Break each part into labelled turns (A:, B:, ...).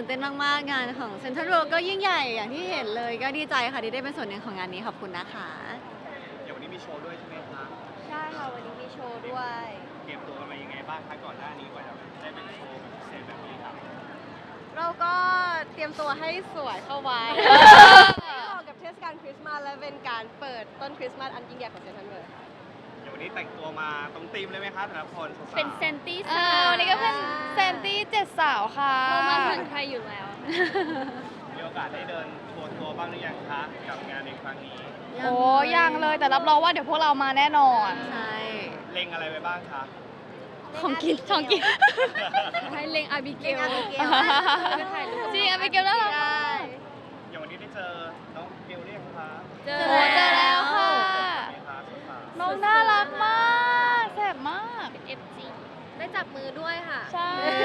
A: เต้นมากๆงานของเซ็นทรัลเวิลด์ก็ยิ่งใหญ่อย่างที่เห็นเลยก็ดีใจค่ะที่ได้เป็นส่วนหนึ่งของงานนี้ขอบคุณนะคะ
B: เดี๋ยววันนี้มีโชว์ด้วยใช่ไหมคะ
C: ใช่ค่ะวันนี้มีโชว์ด้วย
B: เตรียมตัวกันมายังไงบ้างคะก่อนหน้านี้กว่าจะได้เป็นโชว์แบบพิเศษแบบนี้ครับ
C: เราก็เตรียมตัวให้สวยเข้าไว้ให้เหมาะกับเทศกาลคริสต์มาสและเป็นการเปิดต้นคริสต์มาสอันยิ่งใหญ่ของเซนทรัลเวิลด์
B: เดี๋ยววันนี้แต่งตัวมาตรงธีมเลยไหมคะแต่ละคนสาวๆ
D: เป็นเซนตี้
E: วันนี้ก็เป็นเซนตี้7 สาวค่ะ
D: เรามาเหมือนใครอยู่แล้ว
B: มีโอกาสได้เดินทัวร์ตัวบ้างหรือยังคะกับงานในครั้งนี้
E: โอ้ยังเลยแต่รับรองว่าเดี๋ยวพวกเรามาแน่นอน
A: ใช่
B: เล็งอะไรไปบ้างคะ
A: ของกิน
D: ให้เลงอาบิเก
C: เก่ง
D: ล
C: อาบิเกล
D: ไปถ่ายรูป
E: จริงอะไปเกลน่ารัก
C: ได้
B: อย่างวันนี้ได้เจอน้องเกลเรียกคะ
D: เจอ
E: โอ้เจอแล้วค่ะ
B: เป็นไงคะสาว
E: น้องน่ารักมากแซ่บมาก
D: FG
C: ได้จับมือด้วยค่ะ
E: ใช่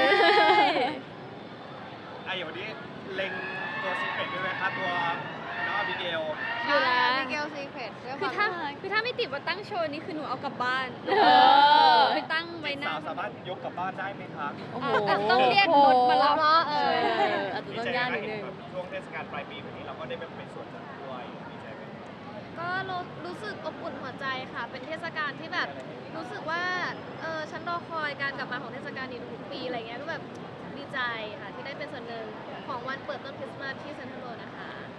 B: ๆอย่างวันนี้เล็งตัวซีเค็ตด้วยไหมคะตัวน้องอาบิเกล
D: อยู่แล้ว
C: อาบิเกลซีเครตด้วย
D: คือ
C: ค
D: ถ้าว
C: าม
D: คือถ้าไม่ติดว่าตั้งโชว์นี้คือหนูเอากลับบ้าน
E: อ
D: ไปตั้งไว้หน้า
B: สาวสามารถยกกลับบ้านได้ไหมคะ
A: โอ้โห
D: แต่ต้องเรียกรถมารับ
C: เนาะ
A: ใช่
C: เออ
A: อาจจะ
B: ดี
A: ต้อง
B: ใจ
A: ยาก
B: ไหม
A: นิด
B: เห็
A: นึ
B: น
A: ง
B: แบบช่วงเทศกาลปลายปีแบบนี้เราก็ได้เป็นส่วนหนึ่งด้วยดีใจไหม
C: ก็รู้สึกอบอุ่นหัวใจค่ะ เป็นเทศกาลที่แบบรู้สึกว่าฉันรอคอยการกลับมาของเทศกาลนี้ทุกปีอะไรเงี้ยก็แบบดีใจค่ะที่ได้เป็นส่วนหนึ่งของวันเปิดต้นคริสต์มาสที่เซ็นทรัลเวิลด์นะคะ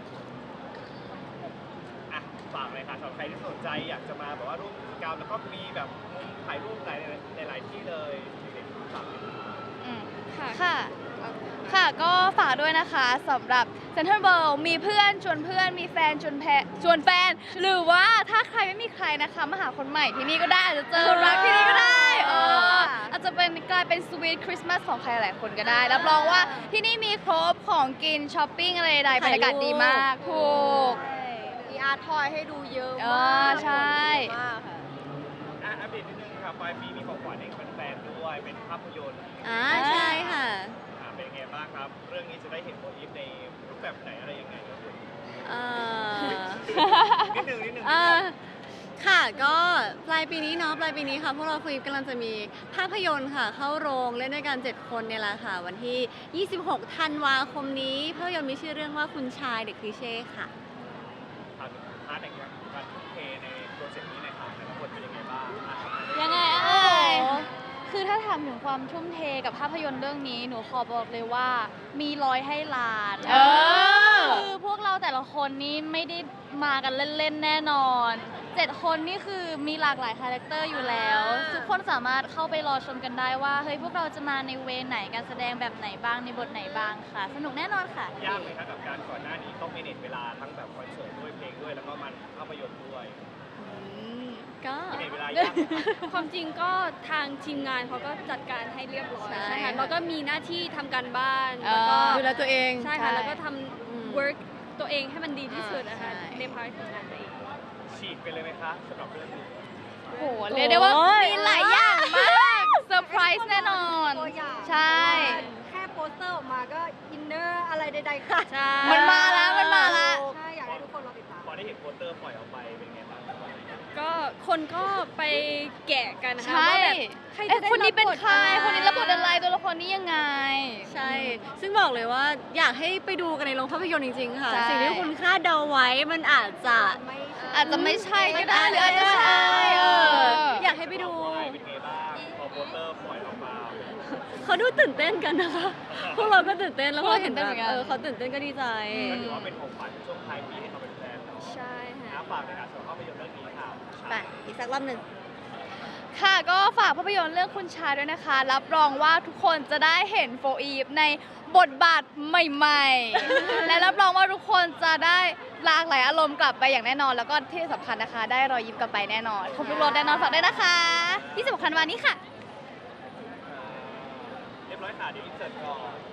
B: อ่ะฝากเลยค่ะสำหรับใครที่สนใจอยากจะมาแบบว่าร่วมกิจกรรมแล้วก็มีแบบมุมถ่ายรูปหลายที่เลยเด็กๆฝากเลยค่ะ
D: ค่ะ
E: ค่ะ ค่ะก็ฝากด้วยนะคะสำหรับเซ็นทรัลเวิลด์มีเพื่อนชวนเพื่อนมีแฟนชวนแฟน หรือว่าถ้าใครไม่มีใครนะคะมาหาคนใหม่ที่นี่ก็ได้อาจจะเจอรักที่นี่ก็ได้อาจจะเป็นกลายเป็นสวีทคริสต์มาสของใครหลายคนก็ได้ รับรองว่าที่นี่มีครบของกินช้อปปิ้งอะไรใดๆบรรยากาศดีมากถูก
C: มีอาร์ตทอยให้ดูเยอะ
E: เอ
C: มา
E: อก ใช่
C: เยอะมากค่ะ
B: อัปเดตนิดนึงค่ะปลายปีมีของขวัญให้กับแฟนๆด้วยเป็นภาพยนตร์
A: ใช่ค่ะ
B: เป็นยังไงบ้างครับ เรื่องนี้จะได้เห็นโอลิฟในรูปแบบไหนอะไรยังไงครับ
A: เอ่อ
B: นิดนึงนิดนึง
A: ค่ะก็ปลายปีนี้เนาะปลายปีนี้ค่ะพวกเราคุยกำลังจะมีภาพยนตร์ค่ะ เข้าโรงเล่นด้วยกัน 7 คนเนี่ยแหละค่ะ วันที่ 26 ธันวาคมนี้ภาพยนตร์มีชื่อเรื่องว่าคุณชายเด็กคลีเช่ค่ะ
B: พาร์ทไหนครับการทุ่มเทในโปรเจกต์นี้หน่อยครับแต่ละคนเป็นยังไงบ้าง
E: ยังไงเอ้ยคือถ้าถามถึงความทุ่มเทกับภาพยนตร์เรื่องนี้ หนูขอบอกเลยว่ามีร้อยให้ล้าน คือพวกเราแต่ละคนนี่ไม่ได้มากันเล่นๆแน่นอน7 คนนี่คือมีหลากหลายคาแรคเตอร์อยู่แล้ว ทุกคนสามารถเข้าไปรอชมกันได้ว่าเฮ้ยพวกเราจะมาในเวไหนการแสดงแบบไหนบ้างในบทไหนบ้างค่ะ สนุกแน่นอนค่ะ
B: ยากไหมครับกับการก่อนหน้านี้ต้องเมเนจเวลาทั้งแบบคอนเสิร์ตด้วยเพลงด้วยแล้วก็มันภาพยนตร์ด้วย
A: ก็
B: เมเนจเวลายากไหมครับ
D: ความจริงก็ทางทีมงานเขาก็จัดการให้เรียบร้อย
A: ใช่
D: ใช่
A: ค่ะ
D: ค่ะแล้วก็มีหน้าที่ทำการบ้านแล้วก็
A: ดูแลตัวเอง
D: ใช่ค่ะแล้วก็ท
A: อืม
D: ำ work ตัวเองให้มันดีที่สุดนะคะ
A: ใช่
D: ในพาร์ทของงานตัวเอง
B: ฉีกไปเลยไหมคะสำหรับเรื่องนี้
E: โอ้โหเรียกได้ว่ามีหลายอย่างมากเซอร์ไพรส์แน่นอน
C: ตัวอย่าง
E: ใช่
C: แค่โปสเตอร์ออกมาก็อินเนอร์อะไรใดๆค่ะ
D: ใช่
E: มันมาแล้วมันมาแล้ว
C: ใช่อยากให้ทุกคนรอติดตาม
B: พอได้เห็นโปสเตอร์ปล่อยออกไปเป็นไงบ้างครับ
D: ก็คนก็ไปแกะกันนะคะ
E: ใช่
D: ว่าแบบใคร
E: เอ๊ะ
D: จะได้
E: คนนี้เป็น
D: รับบท
E: ใคร คนนี้รับบทอะไร ตัวละครนี้ยังไง
A: ใช่ ซึ่งบอกเลยว่าอยากให้ไปดูกันในโรงภาพยนตร์จริงๆ ค่ะ
E: ใช่
A: สิ่งที่คุณคาดเดาไว้มันอาจจะ
E: อาจจะไม่ใช่ก็ได้หรืออาจจะใช่
A: อยากให้ไปดู
B: เป็นไงบ้างพอโปสเตอร์ปล่อยออกมา
A: เขาดูตื่นเต้นกันนะคะ พวกเราก็ตื่นเต้นแล้วพอเห็น
E: พวกเราตื่นเต้นเหมือนกัน
A: เขาตื่นเต้นก็ดีใจ
B: ก็ถือว่าเป็นของขวัญช่วงท้ายปีให้เขาเป็นแฟนเนาะ
D: ใช่ค่ะ
B: ฝากในการสำหรับภาพยนตร์เรื่องนี้ค่ะ
A: ไป อีกสักรอบหนึ่ง
E: ค่ะก็ฝากภาพยนตร์เรื่องคุณชายด้วยนะคะ รับรองว่าทุกคนจะได้เห็นโฟอีฟในบทบาทใหม่ๆ และรับรองว่าทุกคนจะได้หลากหลายอารมณ์กลับไปอย่างแน่นอน แล้วก็ที่สำคัญนะคะ ได้รอยยิ้มกลับไปแน่นอนครบทุกรสแน่นอนฝากด้วยนะคะที่สำคัญวันนี้ค่ะ
B: เรียบร้อยค่ะเดี๋ยวอินเสิร์ตก่อน